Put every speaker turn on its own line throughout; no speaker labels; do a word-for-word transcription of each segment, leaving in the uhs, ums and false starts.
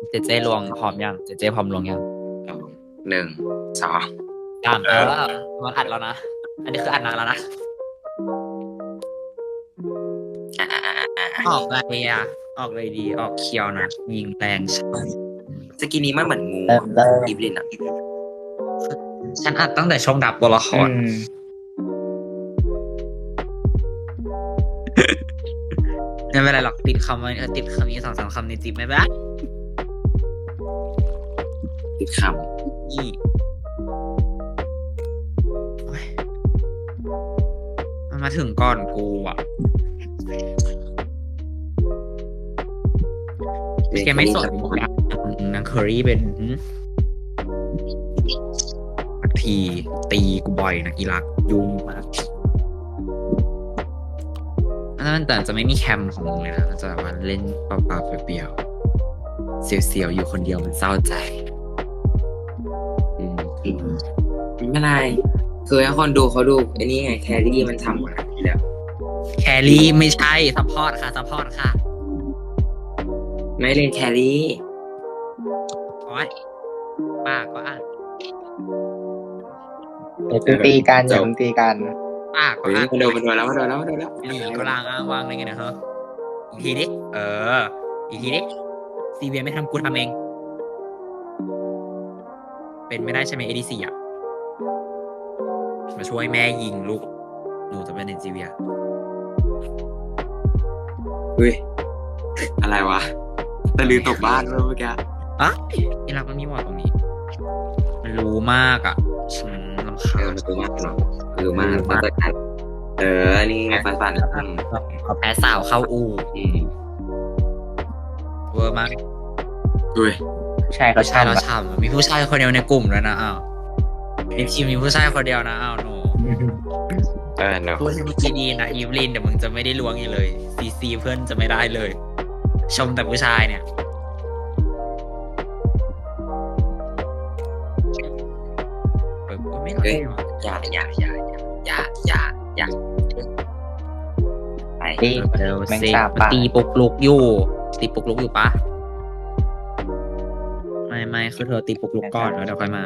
เจเจลวงพร้อมยังเจเจพร้อมลวงยัง
สองหนึ่งสอง
สามเออมันอัดแล้วนะอันนี้คืออัดนานแล้วนะออกอะไรอ่ะออกเลยดีออกเคียวนะยิงแรงใช่
สกินนี้มันเหมือนงู
เริ่มเริ่ม
อีฟลินอ่ะ
ฉันอัดตั้งแต่ช่วงดับตัวละค
อื
ร
ม
ไม่เป็นไรหรอกติดคำไว้เออติดคำนี้สองสามคำในจิบไม่เป็นไร
ติดค
นี่โอ๊ยมันมาถึงก่อนกูอ่ะ
ำ
แกไม่สนนะนางเคอรี่เป็นสักทีตีกูบ่อยนะอีรักยุ่งมากแล้วมันแต่จะไม่มีแคมของมึงเลยนะมันจะแบบว่าเล่นเปล่าๆเปลี่ยวๆเสียวๆอยู่คนเดียวมันเศร้าใจ
อืมอืมไม่เป็นไรคือให้คนดูเขาดูไอ้นี่ไงแครี่มันทำมาแล้ว
แครี่ไม่ใช่ซัพพอร์ตค่ะซัพพอร์ตค่ะ
ไม่เล่นแครี่
โอ๊ยป้าก็อ่าน
อย่าเพิ่งตีกันอย่าเพิ่งตีกัน
ป้าก็
เฮ้ย
อ่าน
มาโดนมาโดนแล้วมาโดนแล้วมาโดนแล้ว
หลีก็ลางอ้างวางอะไรเงี้ยนะฮะอีกทีดิเออ อีกทีดิซีเวียไม่ทำกูทำเอง เป็นไม่ได้ใช่ไหมเอดีซีอ่ะมาช่วยแม่ยิงลูกหนูจะเป็นเนซีเวีย
เฮ้ยอะไรวะตะลือตกบ้านเมื่อกี้
อ่ะอีรักมันมีวอร์ดตรงนี้ มันรู้มากอ่ะฉันรำคา
เออ
ญ
มันรู้มากเนาะรู้มากมาตรการเออนี่ฟันฟันอืม
เอาแพ้สาวเข้าอู
อืม
เวอร์มาก
อุ้ย
ผู้ชายเขา
ผู้ชายเรา
ช่ำอะ
ฉ่ำมีผู้ชายคนเดียวในกลุ่มแล้วนะอ้าวในทีมมีผู้ชายคนเดียวนะอ้าวหนู
เออเนาะ
พูดให้มันดีๆนะอีฟลินเดี๋ยวมึงจะไม่ได้ล้วงอีกเลยซีซีเพื่อนจะไม่ได้เลย ชมแต่ผู้ชายเนี่ยเปิดไม่ได้หรอ
อย่าอย่าอย่าอย่าอย่าอย่าไป
ตี
เร็ว
แมง
สิ
สาบป่า
ตีปุกลุกอยู่ตีปุกลุกอยู่ปะไม่ไม่คือเธอตีปุกลุกก่อนแล้วเดี๋ยวค่อยมา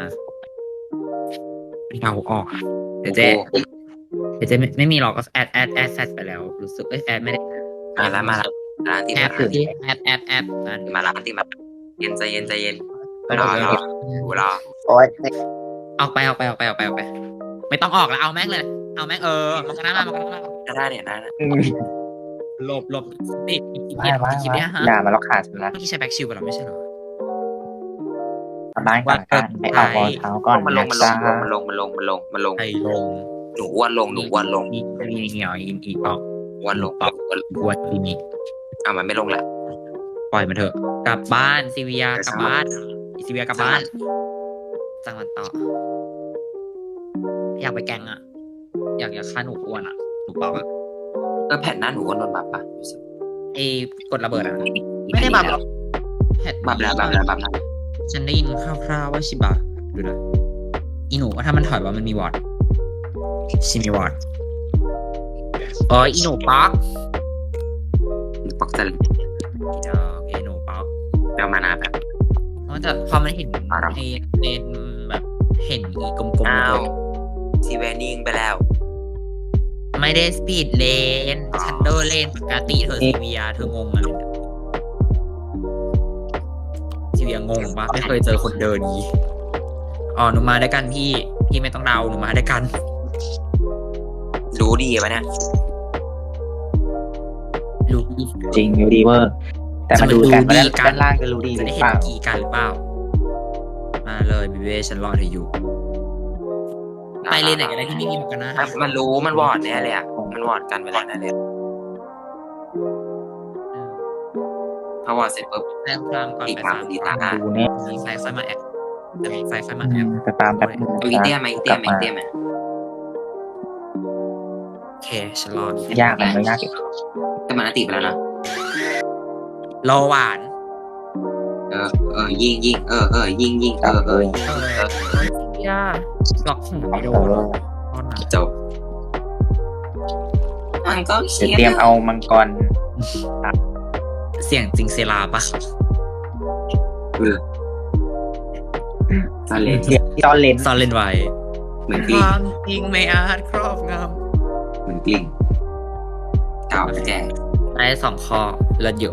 เดาออกเดี๋ยวเจ๊เดี๋ยวเจ๊ไม่ไม่มีหรอกก็แอดแอดแอดแซดไปแล้วรู้สึกเอ้ยแอดไม่ได้
มาแล้วมาแล้วร้านติ
แอ
มา
ดคือที่แอดแอดแอดนั่น
มาร้านติมาเย็นใจเย็นใจเย็นรอรอดูรอ
โอ๊ย
ออกไปออกไปออกไปออกไปออกไป ไม่ต้องออกแล้วเอาแม่งเลย เอาแม่งเออมันก็น่ามามันก็น่ามา
ก็ได้เนี่ยได้นะ
อืม
หลบหลบติดคลิป
ไม่
เนี่ย
ไม่
คลิป
ไม่
เนี่ยฮะ
ด่ามาแล้วขาดฉันละ
เมื่อกี้ใช้แบ็คชิลไปแล้วไม่ใช่เหรอ
ทำบ้านก่อนกันไปออกรองเท้าก่อน
มันลง
นะ
มันล
จ้าง
มันลงมันลงมันลงมันลง
ไอ้ลง
หนูอ้วนลงหนูอ้วนลง
อีอีเหนียวอีอีออก
อ้วนลง
กวนอีนี่
อ่ะมันไม่ลงละ
ปล่อยมันเถอะ กลับบ้านซีเวียกลับบ้านอีซีเวียกลับบ้านจังหวัดต่อ อยากไปแกงอ่ะ อยากอยากฆ่าหนูอ้วนอ่ะหนูเปล่าอ่ะ
เออแผ่นหน้าหนูอ้วนโดนบับปะ
ไอ้กดระเบิดอ่ะไม่ได้บับหรอกแพท
บับแล้วบับแล้วบับแล้ว
ฉันได้ยินคร่าวๆว่าชิบะดูนะอีหนูว่าถ้ามันถอยว่ามันมีวอร์ดชิมีวอร์ดอ๋ออีหนูป๊อก
ปอกจะ
อีดอกอีหนูป๊อก
เดี๋ยวมานาแบบ
เพราะจะพอมันเห็นในในแบบเห็นอีกลมๆ
อ้า
เล
วย ซีเวนิ่งไปแล้ว
ไม่ได้สปีดเลนชันเดอร์เลนปกติเธอซีเวียเธองงอะไรเนี่ยซีเวียงงปะไม่เคยเจอคนเดินงี้อ๋อหนูมาด้วยกันพี่พี่ไม่ต้องเดาหนูมาด้วยกัน
รู้ดีปะเนี่ย
รู้
จริงอยู่ดีเวอร์ แต่มาดูกันว่าด้านล่างจะรู้ดีห
จะ
รื
ได้
อ
เห็
เป
น
ล่า
กี่กันหรือเปล่า มาเลยบิเวฉันรอเธออยู่ ไปเลยไหนกันได้ที่ไม่มีหมวกกันนะ
มันรู้มันวอร์ดแน่เลยอ่ะมันวอร์ดกันไปแล้วแน่เลยพอวอร์ดเสร็จปุ๊บ
แจ้งความก่อน
อีก
ไป
ครั้
สาง ม
ดีตา
ดูเนี่ย
มีไฟค่อยมาแอบแต่มีไฟค่อยมา
อื
แอบ
มจะตามแป๊บนึง
เอาอีเตี้ยไหมอีเตี้ยไหมอีเตี้ยไหม
โอเคฉันรอย
ากมันไม่ยากอีก
แต่มันอติไปแล้วนะ
รอหวาน
เออเออยิงยิงเออเออยิงยิงเออเออ
เอออย่าหลอกหัวไม่โด
เอน อ
ตอนไหน
จบมันก็
เดี๋ยว
เชีย
เตรียมเอามังกร
เสียงจริงเซลาปะ
เออซาเลน
เดี๋ยวตอนเลน
ซ่อนเล่นไว้
เหมือนก
ค
ลิ้ง
วามจริงไม่อาจครอบง
เหมือนกลิ้งเก่าแก่
ำได้สองข้อเลิศอยู่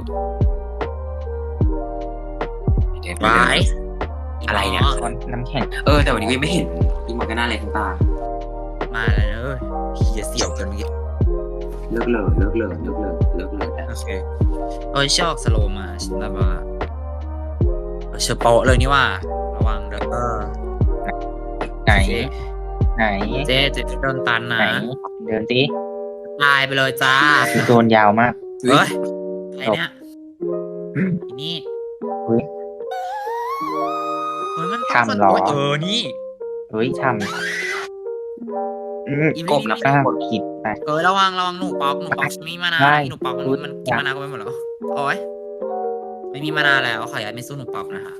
เดี๋ยว
ร้าย
อะไรเนี่ย
ตอนน้ำแข็ง
เออแต่วันนี้ไม่เห็นอีมอร์กาน่าเลยทั้งตา
มาแล้วเอ้ยเฮียเสี่ยวเกันเมื่อกี้
เลิกเลยเลิกเลยเลิกเลยเลิกเลย
โอเคเอ้ยชอบสโลว์มาฉันแบบว่าเออเชอร์โปะเลยนี่ว่า ระวังเด้อ
ไหน ไหน
เจ๊เจ๊โดนตัน
ไหน
นะ
เดินสิ
ตายไปเลยจ้า
คือโดนยาวมาก
เฮ้ยใครเนี่ยอีนี่
เฮ้ย
เฮ้ยมัน
ทำเหรอ
เออนี่
เฮ้ยทำอืม
อี
ก
นี่
บนะป้ากดผิดไป
เออระวังระวังหนูปอกหนูปอกไม่มีมานา
ได้
หนูปอกมัน
พูด
มันกินมานาก็ไปหมดแล้วโอ้ยไม่มีมานาแล้วขออนุญาตไม่สู้หนูปอกนะคะ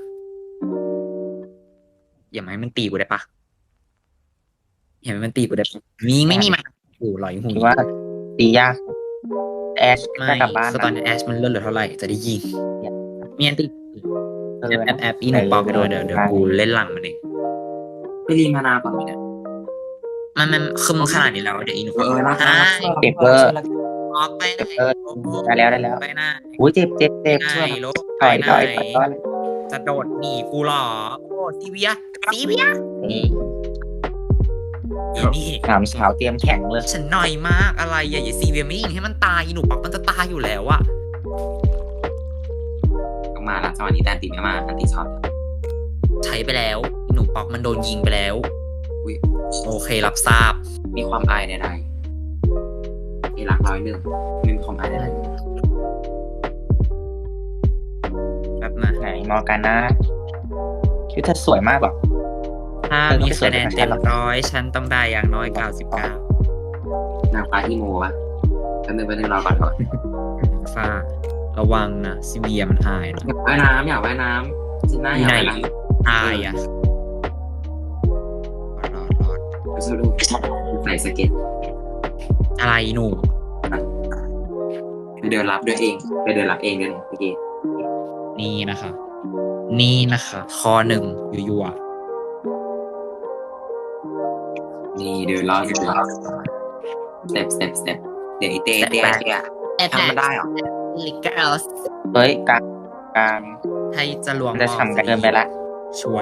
อย่ามาให้มันตีกูได้ปะอย่าให้มันตีกูได้ปะมีไม่มีมานาโอ้ลอยหู
คิดว่าตียากแอช
ไม่
จะกลับบ้าน
คือตอนนี้แอชมันเลื่อนเหลือเท่าไหร่จะได้ยิงมีอันตี
เอ
แอ
อ
ปแอปแอปอีหนูปอกไปด้วยเดี๋ยวเดี๋ยวกูเล่นหลังมันเอง
ไปรีมานาก่อนไหมเนี่ย
มันมันคือมันขนาดนี้แล้วเดี๋ยวอีหนู
เออเออรัก
ใช่
เก็บเบอร์
ออกไปไหน
เออได้แล้วได้แล้ว
ไปหน้า
อุ้ยเจ็บเจ็บเจ็บ
ไป
ช่วย
ไหน
หน่อย
ลบ
ถอย
ไป
ถอย
ไหน
ถอยถอย
จะโดดหนีกูเหรอโอ้ซีเวียซีเวีย
นี่
อีนี่
สามสาวเตรียมแข่งเลย
ฉันหน่อยมากอะไรอย่าอย่าซีเวียไม่ยิงให้มันตายอีหนูปักมันจะตายอยู่แล้วอะ
ต้องมาละจังหวะนี้แต่ตีไม่มาอันตีช็อต
ใช้ไปแล้วอีหนูปักมันโดนยิงไปแล้ว
อุ๊ย
โอเครับทราบ
มีความอายใดๆมีหลักร้อยหนึ่งไม่มีความอายใด
แบบนะ
ไหนมอร์กาน่าคิดว่าเธอสวยมากหรอ
ถ้า
เออต้อง
มี
ไปสว
คะ
ย
แนน
กับฉัน
เต็ม
หรอ
ร้อยฉันต้องได้อย่างน้อยเก้าสิบเก้าน
างฟ้าอีโมวะแป๊บนึงแป๊บนึงรอก่อนก่อน
ฟ้าระวังนะซีเวียมันอายนะ
ว่ายน้ำอยากว่ายน้ำจิน่าอยากว่ายน้ำ
อายอะรอดรอด
สรุปใส่สเก็ต
อะไรหนู
ไปเดินรับด้วยเองไปเดินรับเองด้วยเนี่ยเมื่อกี้
นี่นะคะ นี่นะคะคอหนึ่งยัว
นี่เดินรอบเดินรอบสเต็ปสเต็ปสเต็ปเดี๋ยวไอเต้เต้เต้
ๆ
ทำมันได้เหรอ
ลิเกอร์ส
เฮ้ยกลางกลาง
ให้จะลวง
มันจะทำกันเกินไปละ
ช่วย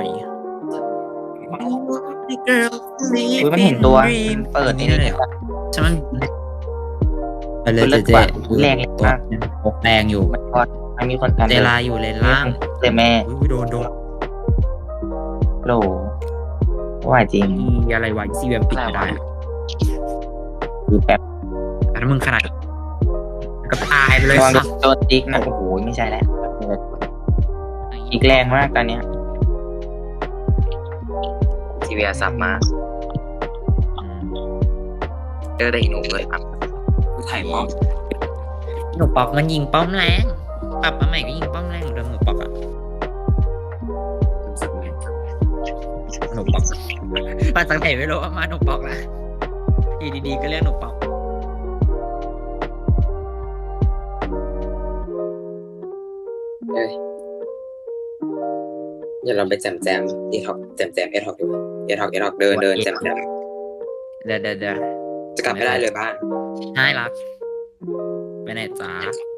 อุ้ยมันเห็นตัวมันเปิด
นี่
นี่
เล
เลย ย
เหรอใช่มันไปเลย
เลิ
เจ๊
ศกว่า
เจ๊
แรงมาก
แรงอยู่
มันพอดมันมีคนกัน
เจลาอยู่เลนล่าง
เลยแม่
อุ้ยโดนโดน
โหลว่าจริง
อีอะไรวะซีเวียมปิดไม่ได้อะ
คือแบบ
แต่ถ้ามึงขนาดก็ตายไปเลย
ระวัง
สัก
โดนติ๊กนะโอ้โหไม่ใช่แล้วอีกแรงมากตอนเนี้ย
ทีวีสับมาเจอได้อีหนูเลยครับผู้ถ่ายมอง
หนูปอกมันยิงป้อมแรงปรับมาใหม่ก็ยิงป้อมแรงเหมือนเดิมหนูปอกอะ
สับเงิน
หนูปอกมาจากไหนไม่รู้ว่ามาหนูปอกนะอยู่ดีๆก็เรียกหนูปอก
เอ้ยเดี๋ยวเราไปแจมแจมเอท็อกแจมแจมเอท็อกดีกว่าเอท็อกเอท็อกเดินเดินแจมแจม
เดี๋ยวเดี๋ยวเดี๋ยว
จะกลับไม่ได้เลยบ้าน
ใช่รักไปไหนจ้า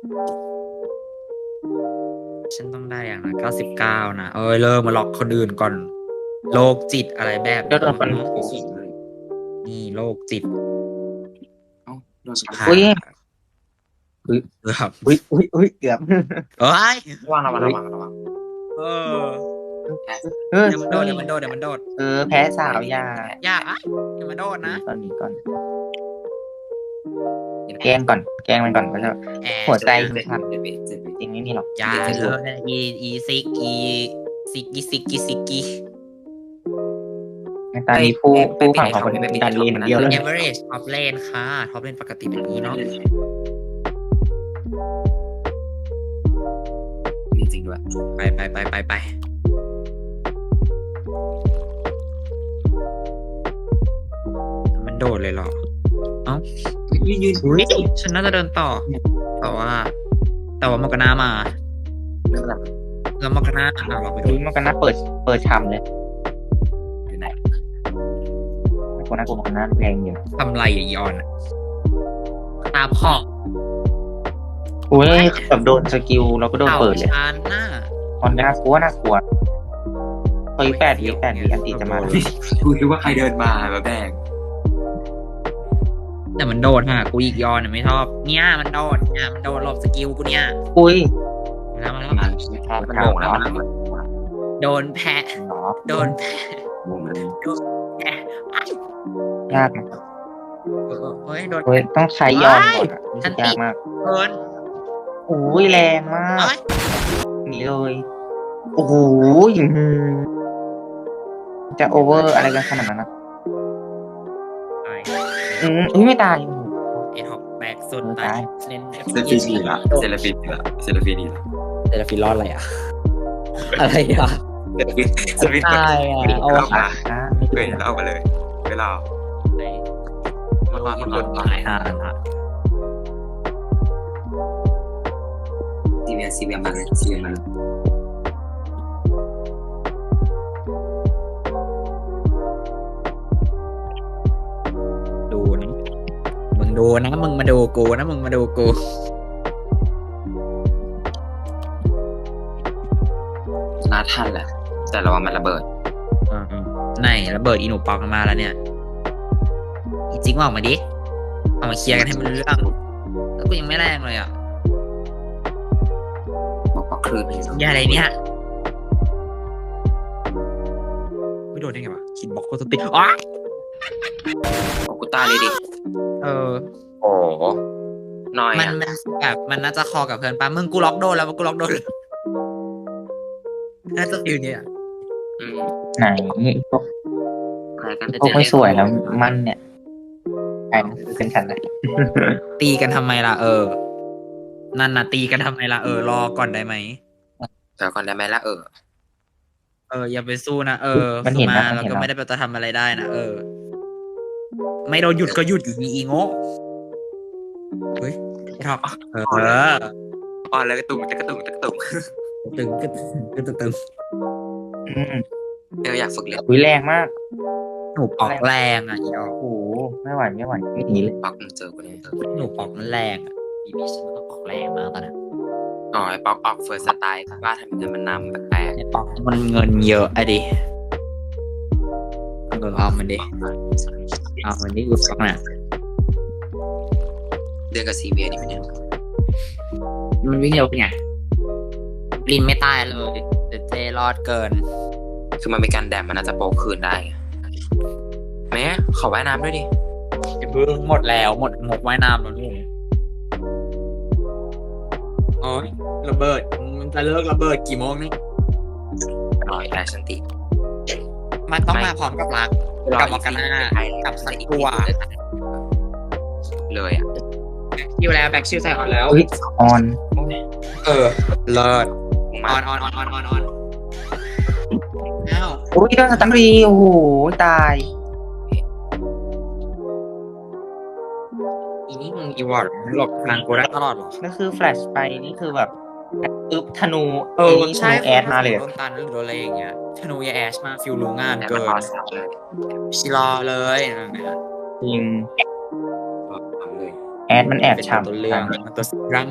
ฉันต้องได้อย่างนะเก้าสิบเก้านะเอ้ยเริ่มมาหลอกคนอื่นก่อน โรคจิตอะไรแบบ
โดนคน
นี่โรคจิต
เอ้าโดน
ผ่า
อุ้ย
เกือบ
อุ้ยอุ้ยอุ้ยเกือบ
เอ้ย
ระวังระวังระวังระวัง
เออ
เออ
เดี๋ยวมันโดดเดี๋ยวมันโดดเดี๋ยวมันโดด
เออแพ้สาวยา
อย่าอ่ะเดี๋ยวมันโดดนะ
ตอนนี้ก่อน แกล้งก่อน แกล้งมันก่อนก็จะ
แอ
หัว
ร์
ใจ
เจ็บเจ็บเจ็บ
จริงไม่มีหรอก
อย่าเลยอีอีซิกอีซิกอีซิกอีซิกอี
ในตอนนี้ผู้ผู้ฝั่งของคนเป็นการเรียนอย่างเดียวเลย
เอเวอเรจท็อปเลนค่ะท็อปเลนปกติแบบนี้เนาะ
มีจริงด้วย
ไปไปไปไปไปมันโดดเลยเหรอ เอ้า
ยืนยืน
อุ้ยฉันน่าจะเดินต่อ แต่ว่า แต่ว่ามอกนามา
เรื่องหลัง
แล้วมันก็น่าอ่ะเราไปดู
อุ้ยมันก็น่าเปิดเปิดชำเลย
อยู่ไหน
มันก็น่ากลัวมันก็น่าแรงอยู่
ทำไรอ่ะอีออนอะตาพอก
อุ้ยแบบโดนสกิลเราก็โดนเปิดเลย
ชานหน้า
ตอนน่ากลัวน่ากลัวเฮ้ยแปดวิแปดวิอันติจะมา
กูคิดว่าใครเดินมาแบบแบง
แต่มันโดนฮะกูอีกยอนอะไม่ชอบเนี่ยมันโดนเนี่ยมันโดนหลบสกิลกูเนี่ย
อุ้ย
แล้วมัน
มันมันโง่แล้วมัน
โดนแพะ
เนาะ
โดนแพะ
โง่มัน
แพะ
ยากนะ
เฮ้ยโดน
เฮ้ยต้องใช้ยอนก่อนอะรู้สึกยากมาก
โดน
อุ้ยแรงมาก
เอ้ย
หนีเลยโอ้โหอื้อหือจะโอเวอร์อะไรกันขนาดนั้นนะ
ตาย
อืมอุ้ยไม่ตายโอ้โห
ไอ้ท็อปแบกสุด
เออ
ตา
ตาย ย
เล่น
เซลฟินีละเซลฟินีละเซลฟินีละ
เซลฟิรอดอะไรอ่ะ อะไรอ่ะ
เซลฟิเซลฟิ
ตายอ่ะ
เอา
เอา
มา
อ่ะไม่
เกิ
ถู
ด
ก
แล้วเอามาเลยเวลามันมันมัน
ตายห่าละ
ซีเวียซีเวียมาเลยซีเวียมาเลย
ดูนะมึงดูนะมึงมาดูกูนะมึงมาดูกู
น่าทันแหละแต่ระวังมันระเบิด
อ่าไหนระเบิดอีหนูปอกมาแล้วเนี่ยอีจริงว่าออกมาดิเอามาเคลียร์กันให้มันรู้เรื่องแล้วกูยังไม่แรงเลยอ่ะ
บอกว่าคลื่นเลย
อย่าอะไรเนี่ยไม่โดนได้ไงวะคิดบอกโคตรติดอ๋อ
โอ้กูตายเลยดิ
เออ
โอ้น้อย
มัน
อ่ะ
มันแบบมันน่าจะคอกับเพื่อนปะมึงกูล็อกโดนแล้วกูล็อกโดนเลยน่าจะฟิลเนี่ย
อืม
ไหนพวก
อะไรกัน
พวกไม่สวยแล้วมันเนี่ยไอ้นั่นคือเป็นฉันเลย
ตีกันทำไมล่ะเออ นั่นน่ะตีกันทำไมล่ะเออรอก่อนได้ไหม
เดี๋ยวก่อนได้ไหมล่ะเออ
เอออย่าไปสู้นะเออ
มัน
สู้
เห็น
มา
นะมัน
แล้ว
เห็น
ก็
นะ
ไม่ได้ไปจะทำอะไรได้นะเออ ไม่โดนหยุดก็หยุดอยู่ดีอีโง่เฮ้ยไอ้ท็อปเออ
อ่อนเลยกระตุกจะกระตุกจะกระตุก
ตึงก็ตึงก็ตึงตึง
อืม
เอออยากฝึกเรียน
อุ้ยแรงมาก
หนูปอกแรงอ่ะอีดอก
โอ้โหไม่ไหวไม่ไหวไม่หนีเลย
ปักมึงเจอกูเนี่ย
หนูปอกมันแรงอ่ะบีบีฉันต้องปอกแรงมากตอนนั้น
อ๋อไอ้ป๊อกออกเฟิร์สสไตล์ว่าทำเงินมันนำแปลก
ไอ้ปอกมันเงินเยอะอะดิเออเอามันดิเอามันดิกูปอกน่ะ
ๆเดือนกับซีเวียนี่มันเนี่ย
มันวิ่งเร็วไงลินไม่ตายเลยแต่เจรอดเกิน
คือมันมีการแดมมันน่าจะโปรคืนได้ไงแม่ขอว่ายน้ำด้วยดิ
ไอ้เพิ่งหมดแล้วหมดหมดว่ายน้ำแล้วลูกอ๋อระเบิดมันจะเลิกระเบิดกี่โมงนี่
รอยแอชชันติ
มันต้องมาพร้อมกับรักกับมอร์กาน่ากับสักตัว
เลยอ่ะ
คิวแล้วแบ็กชิวใส่ออนแล้ว
อุ้ยออน
เออเลิศ
มึง
อ
มา
อนออนออนออนออนออนอ้าว
อุ้ยโดนสตันรีโอ้โหตาย
อีนี่มึงอีวอร์ดหลบทางกูได้ตลอดหรอ
ก็คือแฟลชไปนี่คือแบบอึบธนู
เออ
นี่ธ
ใช่
นูแอดมาเลย
โดนตันหรือโดนอะไรอย่างเงี้ยธนูยาแอชมาฟิลรู้งาน
แต่
เกิ
มัน
น
รอสับเลย
ชิรอเลยนั่นเนี่ย
จริง
รอทำเลย
แอดมันแอบ
เป็น
ฉ่ำ
ตัวเรื่องมันตัวรัง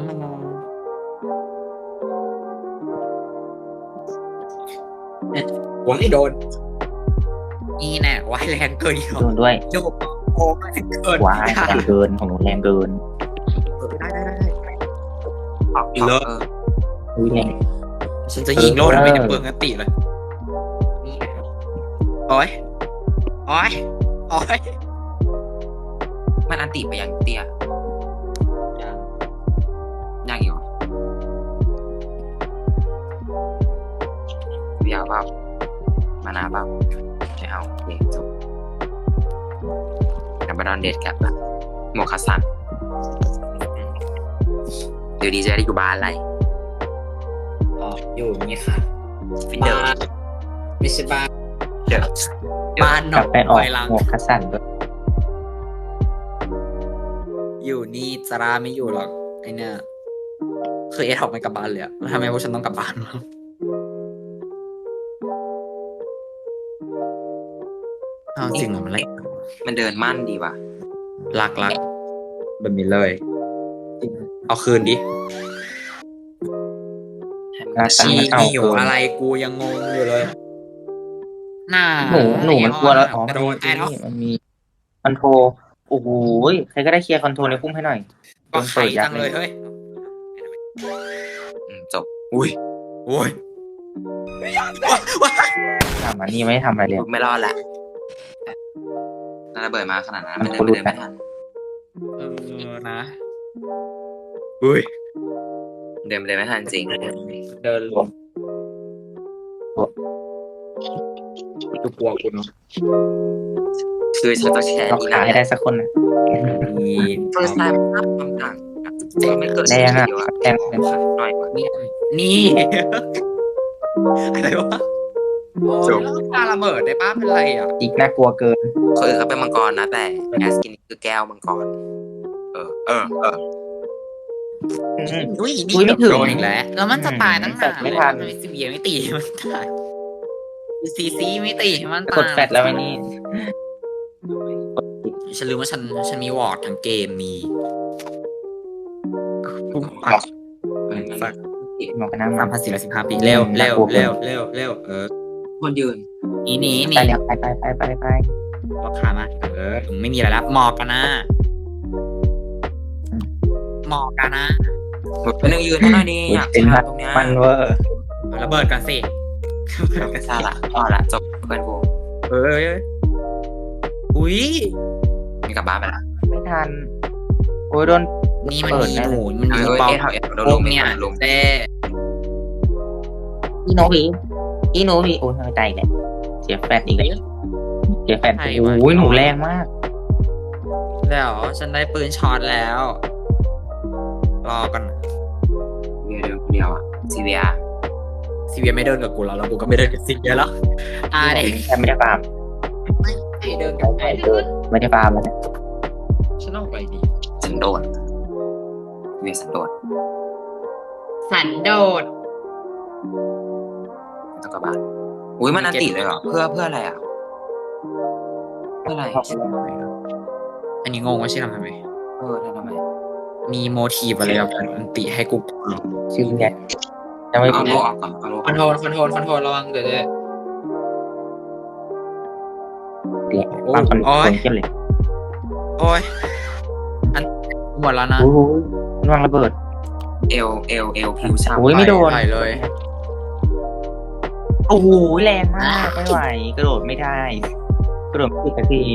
เนี่ยผมไม่โดนนี่แน่วายแรงเกินอีก
โดนด้วย
โยกโอ้แรงเกิน
ว้ายแรงเกินของหนูแรงเกิน
ได้ได้ได้ได้
ออก
เลิศ
เออ
อุ้ยแรง
ฉันจะยิงโลดไม่ได้เปลืองกันติเลยนี่ไงโอ้ยโอ้ยโอ้ย
มันอันติไปยังเตี้ยยากอยู่เบียร์เปล่ามานาเปล่าไม่เอาโอเคจบกับบารอนเดดกับโมคาซันเดี๋ยวดีจะได้อยู่บ้านอะไร
อ๋ออยู่นี่ค่ะ
ฟินเดอร์
ไม่ใช่บ้าน
เดี๋ยว
บ้านหน
ก
อ
ลั
ง
บไปออก
ไยหลัง
หมวกคัสสันด้วย
อยู่นี่จาราไม่อยู่หรอกไอเนี่ยคือเอทอกไม่กลับบ้านเลยอะทำไมพวกฉันต้องกลับบ้านวะเอาจริงเหรอมันไร
มันเดินมั่นดีว่ะ
รักรักแบบนี้เลย เอาคืนดิ
รักกัน
ชี
มันเอา
หิว
เกิน
อะไรกูยังงงอยู่เลยน่า
หนูหนูมันกลัวแล้วอ๋อก
ระโดด
ไอ้
ไอ้เนาะ
นี่มันมีคอนโทรโอ้โหใครก็ได้เคลียร์คอนโทรในพุ่มให้หน่อย
ก็ไข่
ยั
จังเลยเฮ้ย
อืมจบ อุ้ย
โอ้ย
ทำอันนี้ไม่ได้ทำอะไรเลย
ไม่รอดแหละถ้าระเบิดมาขนาดนั้น
มั
มัน
น
เดิน
ก็
มัน
รู้
เดินไม่ทัน
เออนะอุ้ย
เดินมันเดินไม่ทันจริง
เดินรวมกูกลัวคุณ
คือฉันจะแชร์
เรา
อี
ขา
นั่น
ให้ได้สักคนนะ
มี
เฟิร์สไทม์ภาพความต่างเจ๊ไม่เกิด
แรงอ่ะ
เดียวอะ
แรงเลย
หน่อยกว่า
นี่นี่ อะไรวะโอ้ยแล้วปลาระเบิดได้ป้าเป็นไรอ่ะ
อีกน่ากลัวเกิน
คือเขาเป็นมังกรนะ แต่แอสกินคือแก้วมังกร เออ เออ เออ
อืม
อุ้ย
อุ๊ยไม่ถึง
โดนอีกแล้วแล้วมันจะตายตั้ง
แฟล
นาน
ชไม่ทัน
ซีเบียไม่ตีมันตายซีซีไม่ตีมันตาย
กดแฟดแล้วไอ้นี่
ฉันลืมว่าฉันฉันมีวอร์ดทั้งเกมมี
สัก
หมอกระน้ำ
สามพันสี่ร้อยสิบห้าปีเร็วเร็วเร็วเร็วเร็วเออ
คนยืน
หนีหนีห
ไป
นี
แล้วไปไปไปไปไป
ราคานะเออไม่มีอะไรแล้วหมอกกันนะหมอกกันนะ
เป็นหนึ่งยืนเท่านั้นนี่อยาก
เป็น
ชา
มัน
ตรงเนี้ย
มันเวอร์
เอาระเบิดกันสิ
ชาละพอละจบเพื่อนกู
เอ้ยอุ้ย
มีกลับบ้านไปละ
ไม่ทันโอ้ยโดน
นี่มัน
เปิด
มี
แน่
ห
เลย
นูมัน
เอ
มี
อ
ปอม
เอ๊ะเขาเอ๊ะโดน
พ
ล
ว
ง
ก
เนี่
เนี่ย ย
ลง
เต้
อีโนพีอีโนพีโอ้ยใจแหละเสียแฟดอีกแล้วเสียแฟดโอ้ยหนูแรงมาก
แล้วฉันได้ปืนช็อตแล้ว รอกัน
เดียวเดียวเดียวอ่ะซีเวีย
ซีเวียไม่เดินกับกูแล้วแล้วกูก็ไม่เดินกับซีเวียแล้วอ่าเด็ก
แค่ไม่ได้ฟาร์ม
ไม่เดินกับใครเลย
ไม่ได้ฟาร์มเลย
ฉันเอาไปดี
สันโดษเวียสันโดษ
สันโดษ
ไม่ต้องกลับบ้านอุ้ยมันอันติเลยเหรอเพื่อเพื่ออะไรอ่ะเพื่ออะไร
อันนี้งงว่าชื่อทำทำไม
เออทำไม
มีโมทีฟอะไรกับอันติให้กู
ชื่อไงยังไม่
เอา
พู
โล
ด
ออกก่อนเอาโล
คอนโทรลคอนโทรลคอนโทรลระวังเดี๋ยวจะ
แหละฟาร์มคนคนเข้มเลย
โอ้ยอันหมดแล้วนะ
โอ้ยระวังระเบิด
เอลเอลเอลผิวฉ่ำ
โอ้ยไม่โดน
ไหลเลย
โอ้โหแรงมากไม่ไหวกระโดดไม่ได้กระโดดไม่ติดสักที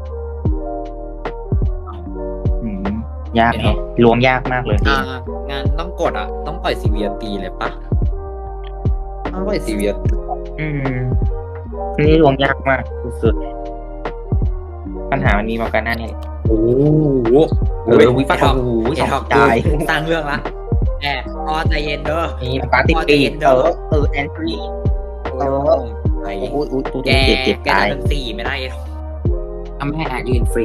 อืมยากแฮะลวงยากมากเลย
อ่างานต้องกดอ่ะ ต้องปล่อยซีเวียตีเลยปะต้องปล่อยซีเวีย
อืมนี่ลวงยากมากสุดๆปัญหามันมีมากันหน้านี่แหละ
โอ้โห
เออวิปัสสนาโอ้โหสองใจ
สร้างเรื่องละแอบพอใจเย็นเด้อ
นี่ปาติปีดเออเออแอนทรี
โอ้ยไป
โอ้ยโอ้ยโอ้ย
แก
เจ็บเจ็บ
แก
ตาย
จะเป็นสี่ไม่ได้
ทำให้แอดยืนฟรี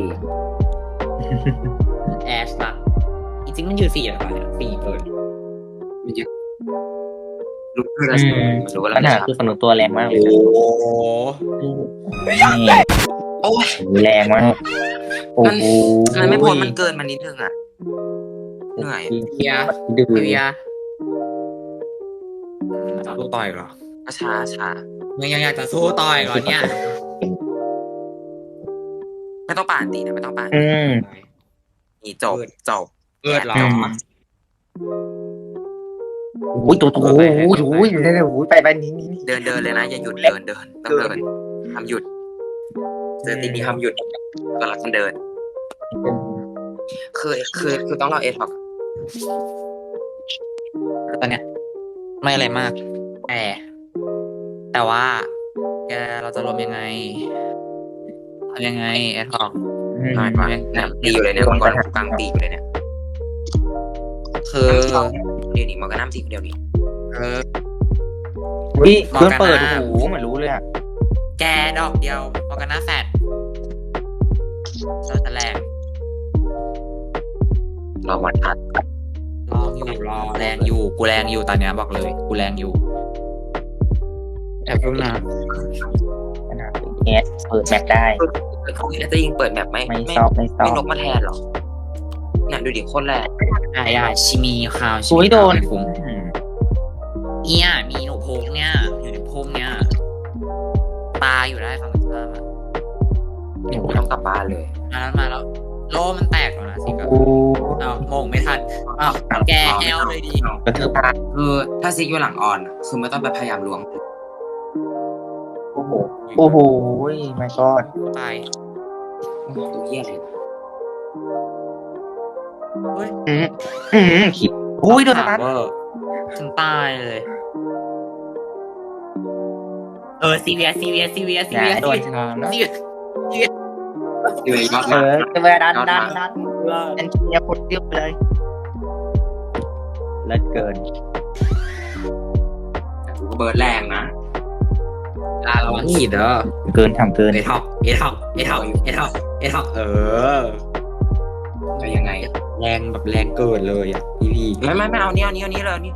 แอชละจริงๆมันอยู่สี่อะไรเนี่ยสี่เกิน
มันเยอะลุกขึ้นแล้ว
อืม
รู้ว่า
ปัญหา
เรา
คือสนุกตัวแรงมากเลย
โอ้
นี่
โอ้ย
แรงมากโอ้โห
มันไม่พ้นมันเกินมานิดนึงอ่ะเหนื่อย
เฮีย
ดื้อ
เฮียสู้ต่อยเหรอ
ช้าช้า
มึงยังอยากจะสู้ต่อยเหรอเนี่ย
ไม่ต้องป่านตีนะไม่ต้องป่าน
อืม
นี่จบจบ
เกิดเหรอ
อืมโอ้ยตัวโอ้โหโอ้โหเร็วๆไปไปนี่นี่นี่
เดินเดินเลยนะอย่าหยุดเดินเดินต้องเดินห้ามหยุดเจอตีนี้ห้ามหยุดก็รักกันเดิน คือคือคือต้องรอเอท็อก
ตอนเนี้ยไม่อะไรมาก แต่แต่ว่า แกเราจะรวมยังไงทำยังไงแอดฮอก
ง่ายกว่าเนี่ยตีอยู่เลยเนี่ยมังกรกูกลางตีอยู่เลยเนี่ย
คือ
เดี๋ยวนี้มันก็น้ำตีคนเดียวดิ
เออ
อุ้ยเครื่องเปิดโอ้โหเหมือนรู้เลยอ่ะ
แกดอกเดียวออกกันหน้าแฟดเราจะแรง
รอวันทัด
รออยู่รอแรงอยู่กูแรงอยู่ตอนเนี้ยบอกเลยกูแรงอยู่แอบรู้นะ
ขนาดนี้แอสเปิดแมปได้
เขาจะยิงเปิดแบบไม่
ไม่
ไม่
ซอบไม่ซอ
ไม่
บ
นกมาแทนหรอเนี่ยดูดิโคนแรง
ได้ได้ชิมีข่าวชิ
อุ้
มี
ยโดน
ข่าวคุ้มเอียมีหนูโพงเนี่ยอยู่ในโพงเนี่ยตายอยู่ได้ฝั่งตรงข้ามอะ
กูต้องกลับบ้านเลย
มาแล้วมาแล้วโลมันแตกแล้วนะสิครับ
โอ้
อ้าวโมงไม่ทันอ้าวแกแอลเลยดี
กระทืบตา
คือถ้าซิกอยู่หลังออนอะคือไม่ต้องไปพยายามล้วง
โอ้โหโอ้โหไม่กอด
ตาย
ตัวเหี้ยอะไร
เฮ้ย
อืมอืมขิดอุ้ยโดนสตัน
เวอร์ฉันตายเลยเออซีเวียซีเวียซีเวียซี
อย่า
เวีย
ให้โดนชามนะ
ซีเวีย
อยู่ในยอด
เอ
มา
อจะไปดันดันดันดันเชียร์คนเดียวไปเลยเลิศเกิน
กูก็เบิร์ดแรงนะ
ลาระวังหีดเด้อ
เกินทำเกิน
เอท็อปเอท็อปเอท็อปเอท็อปเอท็อปเออ
จะยังไง
แรงแบบแรงเกินเลยอ่ะพี่พี่
ไม่ไม่ไม่เอานี้เอานี้เอานี้เลยนี่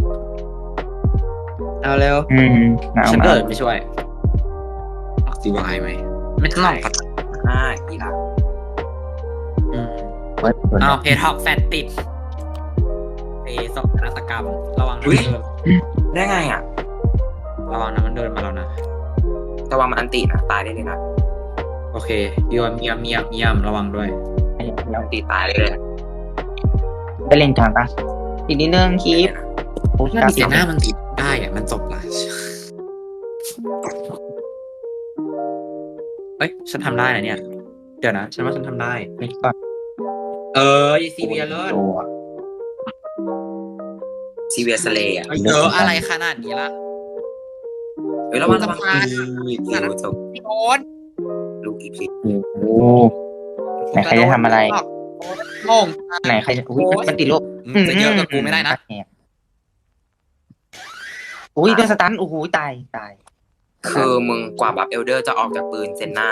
เอาเร็ว
อืมหนาว
ฉัน
มา
เกิ
ก
ดไม่ช่วยออกซีวายไหมไม่ต้องหลอกกัน
ห้าอีหลัก
อืม
เปิดเปิด
เอาเพทอกแฟนติดเอสกนาฏกรรม ระวังนะมันเดิน
ได้ไงอ่ะ
ระวังนะมันเดินมาแล้วนะ
แต่ว่ามันอันตินะตายได้เลยนะ
โอเคเยี่ยมเยี่ยมเยี่ยมเยี่ยมระวังด้วย
อันติตายได้เลย
ไปเล่นกลางปะอีกนิดนึงคลิปโอ้ย
ถ้ามีเสียหน้ามันติดได้อะมันจบละเอ้ยฉันทำได้นะเนี่ย เดี๋ยวนะ ฉันว่าฉันทำได้
ไม่ก่อน
เออซีเบียเลิศ
ตัว
ซีเวียสเลย์อ่ะ
เยอะอะไรขนาดนี้ล่ะ
เฮ้ยระวังระวัง
สะพาน
อีกลูกจบ
พี่โอ๊ต
ลูกอีพี
โอ้โห ไหนใครจะทำอะไร
โงง
ไหนใครจะอุ้ยมันติดโลก
อืมจะเยอะกับกูไม่ได้นะ
อุ้ยโดนสตันโอ้โหตายตาย
คือมึงกว่าบัฟเอลเดอร์จะออกจากปืนเซนหน้า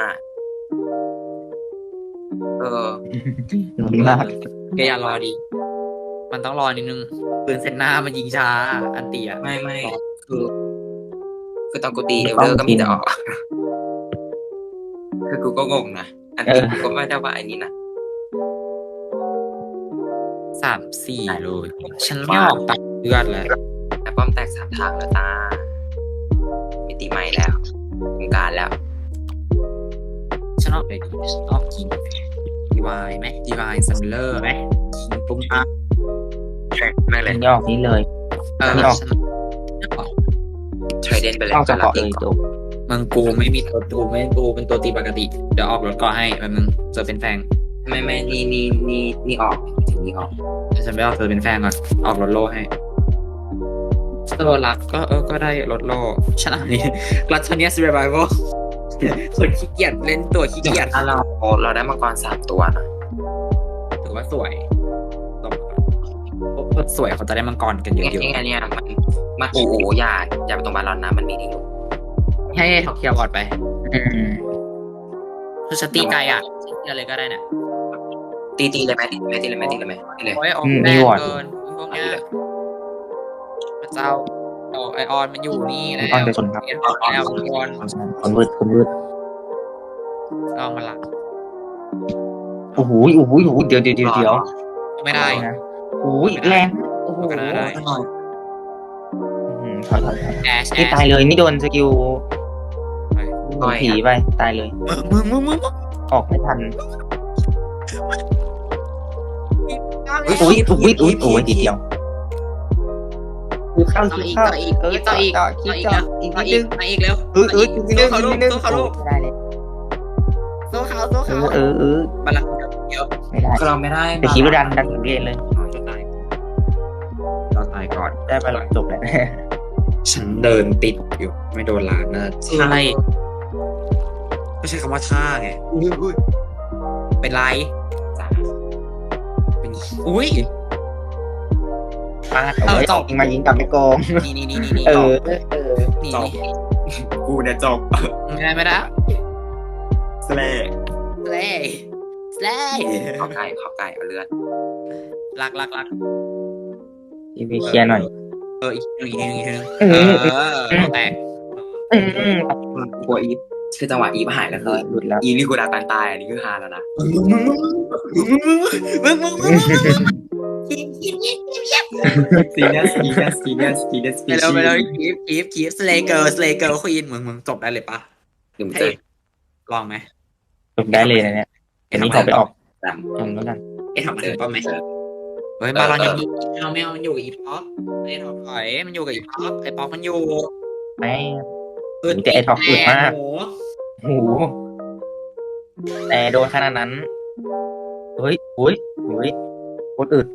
เออ
หนุนมาก
แกอย่ารอดิ มันต้องรอนิดนึงปืนเซนหน้ามันยิงช้า อันเตีย
ไม่ไม่คือ คือตอนกูตีเอลเดอร์ก็มีแต่ออก คือกูก็งงนะ อันนี้กูก็ไม่ได้ว่าอันนี้นะ
สามสี่เลย ฉันไม่ออกตัดเลือดเลย
แต่ป้อมแตกสามทางแล้วตามิติใหม่แล้ววงการแล้ว
ฉันออกเลยดีฉันออกคิงดีวายไหมดีวายซัมเลอร์ไหมคิงปุ้มปั๊บ
ไม่เลย
มันยอกนี้เลย
เออ
ไม่ออก
ฉันออก
เทรดเดนไปเลย
เข้าจะเกาะเลยจบ
มึงกูไม่มีตัวกูไม่กูเป็นตัวตีปกติ เดี๋ยวออกรถก่อให้แบบมึงเจอเป็นแฟง
ไม่ไม่นี่นี่นี่นี่ออกถึงนี่ออก
เดี๋ยวฉันไปออกเจอเป็นแฟงก่อน ออกรถโล่ให้เออรักก็เออก็ได้รถโล่ฉันอันนี้รัชเนียสเรไวเวลคนขี้เกียจเล่นตัวขี้เกียจ
ถ้าเราเราได้มังกรสามตัวนะ
ถือว่าสวยต้องโคตรสวยเขาจะได้มังกรกันเย
ไอ้
อะ
ไอ้เนี่ยมันมันโอ้โหอย่าอย่าไปตรงบาลอนนะมันมีนี่อยู่
ๆให้ท็อกเคียวก่อนไป
อืม
คือฉันตีไกลอ่ะตีอะไรก็ได้เนี่ย
ตีตีเลยไหมตีเลยไหมตีเลยไหมตีเลยไหมตีเลย
โอ้ยออก
อืม
แร
มี
ง
วอร์ด
เกินพวกเนี้ยพระเจ้าโอ้ไอออนมันอยู่นี่แล้ว
ออนจะชนครับ
เอ็นออกแล้วทุกคน
คนวืดคนวืด
ลองมาละ
โอ้โหโอ้โหโอ้โหเดี๋ยวเดี๋ยวเดี๋ยวเดี๋ยว
ไม่ได้
นะโอ้ยแรงโอ้โห
ก็น่าได้
อืมถอยถอยถอย
แอชแอ
นี่
ช
ตายเลยนี่โดนสกิล
ต่อย
ผีไปตายเลย
มึงมึงมึงมึง
ออกไม่ทัน
มึง
อุ้ยอุ้ยอุ้ยอุ้ยทีเดียวคือเข้า
ต่อ
คือ
อีก
เข้า
ต่ออีก
เออ
ต่ออีก
ต่อ
ต่
คิ
อ
ด
อีก
ต่อ
แล้ว
อีก
ต่อ
นิดนึง
อีกมาอีกแล้ว
เออเอออีกนิดนึง
เขา
อีก
ลู
นิ
ก
ดนึง
เขาลูก
ไม่ได้เลย
โซ่เขาโซ่
เอ
เขา
อเออเออ
บัลลังก์เยอะ
ไม่ได้
คือเราไม่ได้
แต่คิดว่าดันดันถึงเรียนเลย
จะตายเราตายก่อน
ได้ไปหลังจบแล้ว
ฉันเดินติดอยู่ไม่โดนล้านนะใช่ไม่ใช่คำว่าท่าไงเป็นไร
จ้า
เป็นอุ้ย
พลาดเอาไว้
จบ
ยิงมายิงกลับไม่โกง
นี่นี่นี่นี่นี่
เออเออ
นี่
จบ
นี่
กูเนี่ยจบ
ไม่ได้ไม่ได้
สเล่
สเลย์สเลย์
ข้าวไก่ข้าวไก่เอาเลือด
รักรักรัก
ทีวีเคลียร์หน่อย
เอออีกทีหนึงอีกทีหนึงอีกทีหนึง
เอ
เอ
อ
อแตก
อืมอืม
กลัวอีฟคือจังหวะอีฟหายแล้ว
ร้
คือ อย
หลุดแล้ว
อีนี่กูดักตันตายอันนี้คือฮาแล้วนะ
มึงมึงมึงมึงมึงคีบคีบคีบคีบคีบ
ซีเนียสซีเนียสซีเนียสซีเนียส
ไปแล้วไปแล้วคีบคีบคีบสเลเกอร์สเลเกอร์ควีนมึงมึงจบได้เลยปะ
หนึ่ง
ให้
เจ็ด
ลองไหม
จบได้เลยนะเนี่ยอันนี้ขอไปออก
สาม
ตรงนู้นกัน
เอ๊ะทำมัน
เจอ
ป้าไหม
เจอ
เฮ้ยบาลอนยังมีไม่เอาไม่เอามันอยู่กับอีพ็อปไม่ได้ถอดถอยมันอยู่กับอีพ็อปไอ้พ็อปมันอยู่
แม่มีแต่ไอ้ท็อปอึดมาก
โอ้โห
โอ้โหแต่โดนขนาดนั้น เฮ้ยเฮ้ยเฮ้ยโคตรอึด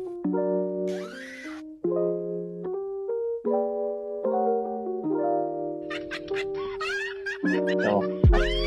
จบ